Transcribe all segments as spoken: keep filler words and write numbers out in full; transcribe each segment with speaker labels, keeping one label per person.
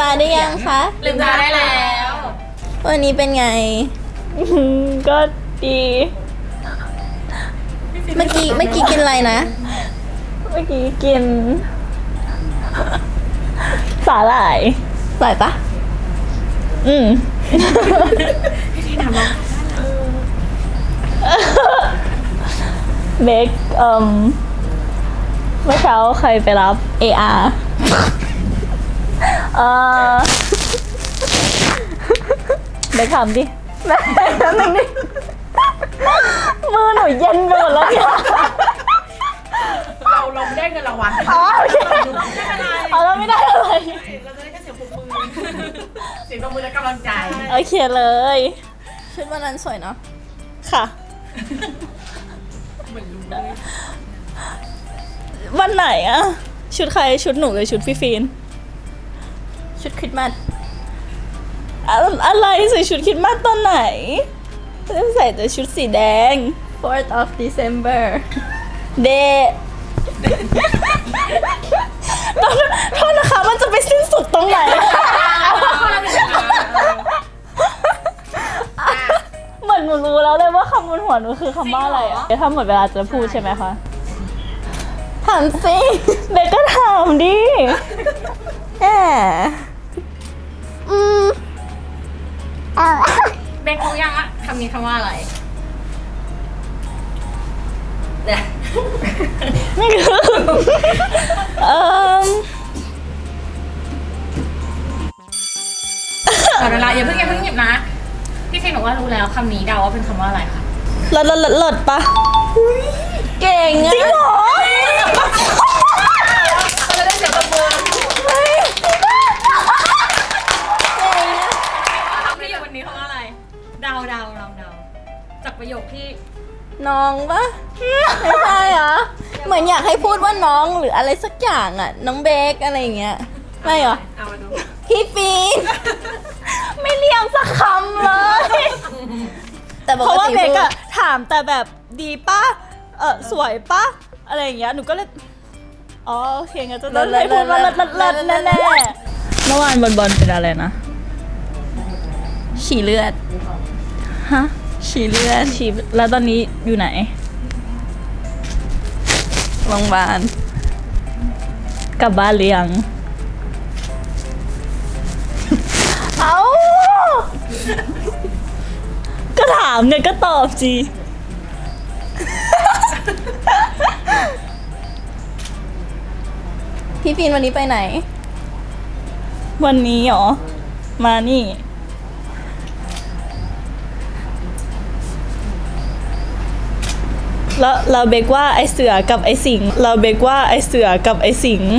Speaker 1: ตาได้ยังคะ
Speaker 2: ลืมตาได้แล้ว
Speaker 1: วันนี้เป็นไง
Speaker 3: ก็ดี
Speaker 1: เมื่อกี้เมื่อกี้กินอะไรนะ
Speaker 3: เมื่อกี้กิน สาหร่าย
Speaker 1: อร่อยปะ
Speaker 3: อืม
Speaker 2: ที่ทำน้อง
Speaker 3: เบคเอ่มเมื่อเช้าใครไปรับ
Speaker 1: เออาร์
Speaker 3: เออเบคทำดิแม่ทำหนึ่งดิมือหนูเย็นไปหมดแล้วเนี่ย
Speaker 2: เราเราไม่ได้เงินรางวัล
Speaker 3: อ๋อโอเค
Speaker 2: ไม่เป็นไร
Speaker 3: เอาแล้วไม่ได้อะไร
Speaker 2: เราจะได้แค่เสียงปรบมือเสียงปรบมือและกำลังใจ
Speaker 3: โอเคเลย
Speaker 1: ชุดวันนั้นสวยเนาะ
Speaker 3: ค่ะ
Speaker 2: เหมือนรู้เลย
Speaker 3: วันไหนอะชุดใครชุดหนูหรือชุดพี่ฟีน
Speaker 1: ชุดคริสต์มาส
Speaker 3: อะอะไรใส่ชุดคริดมาสตอนไหนใส่แต่ชุดสีแดง
Speaker 1: fourth of December
Speaker 3: เดตอนโทษนะคะมันจะไปสิ้นสุดตรงไหน เหมือนหนูรู้แล้วเลยว่าคำบนหัวหนูคือคำว่าอะไรอะถ้าหมดเวลาจะพูดใช่ไหมคะ
Speaker 1: ถามสิ
Speaker 3: เบกก็ถามดิ
Speaker 1: แหมอืมเอา
Speaker 2: เบนรู้ยังอะคำนี้คำว่าอะไรเนี่ย
Speaker 3: ไม่คือเอ่อ
Speaker 2: ขอเวลาอย่าเพิ่งอย่าเพิ่งหยิบนะพี่เฟนบอกว่ารู้แล้วคำนี้เดาว่าเป็นคำว่าอะไรคะ
Speaker 3: เลิศเลิศเลิศเลิศปะ
Speaker 1: เก่งอะ
Speaker 3: จริงเหรอ
Speaker 2: เราจะได้เสียงปรบมือคำที่อยู่วันนี้คำว่าอะไรเดาเดาลองเดาจากประโยคที่
Speaker 1: น้องปะไม่ใช่เหรอ เหมือนอยากให้พูดว่าน้องหรืออะไรสักอย่างอะน้องเบคอะไรอย่างเงี้ย ไม่เหรอ
Speaker 2: เอามาดู
Speaker 1: พี่ฟีน
Speaker 3: ไม่เลี้ยงสักคำเลย
Speaker 1: แต่ป
Speaker 3: เพ
Speaker 1: ก
Speaker 3: ราะว่า
Speaker 1: ติ
Speaker 3: เบก
Speaker 1: พูด
Speaker 3: อะถามแต่แบบดีป่ะ เออสวยป่ะ อะไรอย่างเงี้ย หนูก็เลย อ๋อโอเคงั้นจะต้องให้พูดว่าเลิศเลิศเลิศแน่แน่เมื่อวานบอลบอลเป็นอะไรนะ
Speaker 1: ฉี่เลือด
Speaker 3: ฮะ
Speaker 1: ฉี่เลือด
Speaker 3: ชีแล้วตอนนี้อยู่ไหน
Speaker 1: โรงพยาบาล
Speaker 3: กลับบ้านหรือยัง เอา ก็ถามเนี่ยก็ตอบจี
Speaker 1: พี่ฟีนวันนี้ไปไหน
Speaker 3: วันนี้เหรอ มานี่ แล้วเราเบกว่าไอเสือกับไอสิงห์เราเบกว่าไอเสือกับไอสิงห์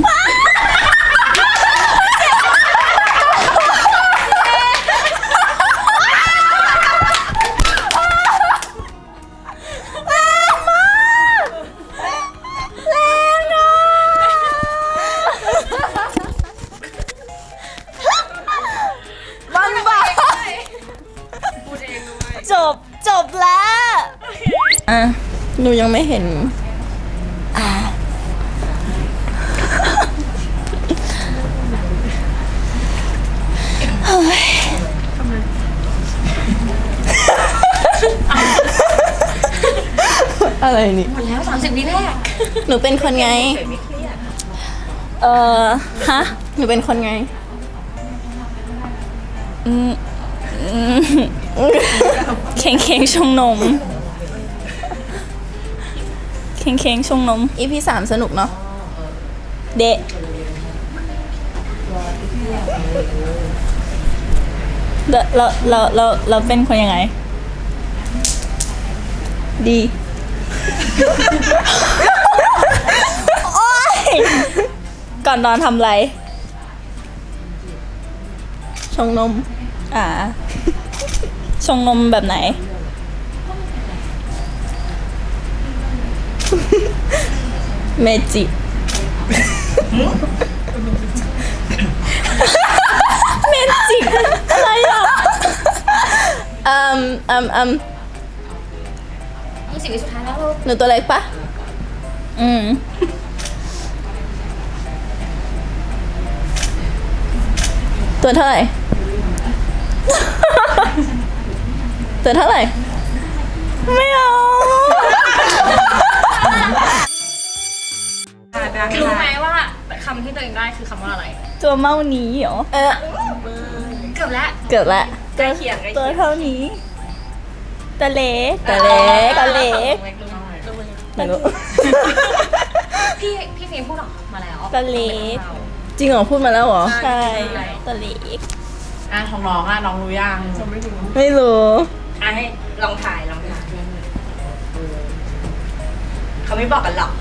Speaker 3: มันบ้า
Speaker 2: พูดเองด้วย
Speaker 3: จบจบแล้ว
Speaker 1: อ่ะ หนูยังไม่เห็น อ่า อะไรนี่
Speaker 2: หมดแล้วสามสิบวิแรก
Speaker 1: หนูเป็นคนไง
Speaker 3: เออฮะ
Speaker 1: หนูเป็นคนไง
Speaker 3: อืมอืมเค้งเค้งชงนมเค้งเค้งชงนม
Speaker 1: อีพีสามสนุกเนาะ
Speaker 3: เดะเราเราเราเราเราเป็นคนยังไง
Speaker 1: ดี
Speaker 3: โอ๊ย ก่อนนอนทำอะไร
Speaker 1: ชงนม
Speaker 3: อ่า ชงนมแบบไหน
Speaker 1: เมจิ
Speaker 3: เมจิกอะไรอ่ะ
Speaker 1: อืมอืมอืม
Speaker 2: ยี่สิบวิสุดท้ายแล้วลูก
Speaker 1: หนูตัวเล็กปะ
Speaker 3: อืม
Speaker 1: ตัวเท่าไหร่ ตัวเท่าไหร่ ไม่เอา
Speaker 2: รู้ไหมว่าคำที่ตัวเองได้คือคำว่าอะไร
Speaker 3: ตัวเมานี้เหรอ
Speaker 1: เออ
Speaker 2: เกือบแล้ว
Speaker 1: เกือบละ
Speaker 2: ใกล้เคียงใกล้
Speaker 3: ตั
Speaker 2: เคี
Speaker 3: วย
Speaker 2: ง
Speaker 3: เท่านี้ตะเล็ก
Speaker 1: ตะเล็ก
Speaker 3: ตะเล็ก
Speaker 1: ไม่รู้
Speaker 2: พี่พี่ฟิล์มพูดออกมาแล้ว
Speaker 3: ตะเล็ก
Speaker 1: จริงเหรอพูดมาแล้วเหรอ
Speaker 3: ใช่ตะเล็ก
Speaker 4: อ่ะของน้องอ่ะน้องรู้ยัง
Speaker 1: ไม่รู้
Speaker 4: อ่ะให้ลองถ่ายลองถ่ายเขาไม่บอกกันหรอก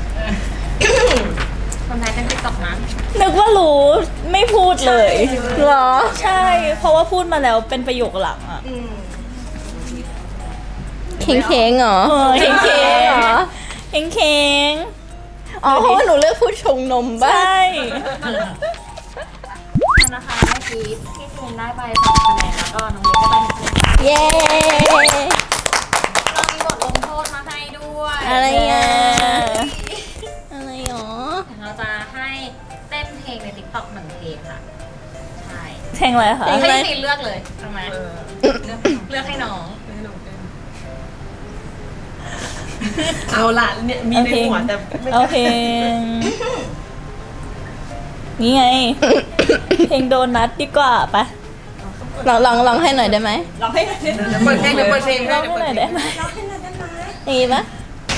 Speaker 2: คนไทยเป็นติ๊กต็อกนะ
Speaker 3: นึกว่ารู้ไม่พูดเลย
Speaker 1: เหรอ
Speaker 3: ใช่ เพราะว่าพูดมาแล้วเป็นประโยคหลังอ่ะ
Speaker 1: เค้งเค้งๆเหรอ
Speaker 3: เออเค้งๆ
Speaker 1: เหรอ
Speaker 3: เค้งเค้ง
Speaker 1: อ๋อเพราะว่าหนูเลือกพูดชงนม
Speaker 3: ๆ
Speaker 1: บ้า
Speaker 3: ใช่
Speaker 2: นั่นนะคะเมื่อกี้พี่ฟิล์มได้ไปสองคะแนนแล้วก็น้องเล็กก็ไปหนึ่งคะแนน
Speaker 1: เย้
Speaker 2: เรามีบทลงโทษมาให้ด้วย
Speaker 1: อะไรอ่ะ อะไรหรอ
Speaker 2: เราจะให้เต้นเพลงในติ๊กต็อกหนึ่งเพลงค่ะ ใช่
Speaker 3: เพลงอะไรคะ
Speaker 1: เพลง
Speaker 2: ให้พี่ฟิล์มเลือกเลยทำไมเลือกให้น้อง
Speaker 4: เอาละเนี่ยมีในหัวแต่ไม่
Speaker 3: เอาเพลงนี่ไง เพลงโดนัทดีกว่าไป
Speaker 1: ลองลองลองให้หน่อยได้ไหม
Speaker 4: ลองให้เดี๋ยวเปิดเพลงเดี๋ยวเปิดเพลง
Speaker 3: ร้องให้หน่อยได้ไหม
Speaker 1: อย่างงี้ปะ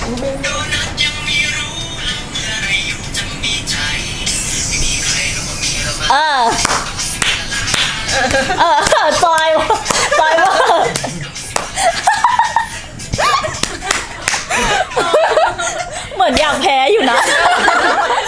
Speaker 3: เออเออจอยว่ะจอยว่ะเหมือนอยากแพ้อยู่นะ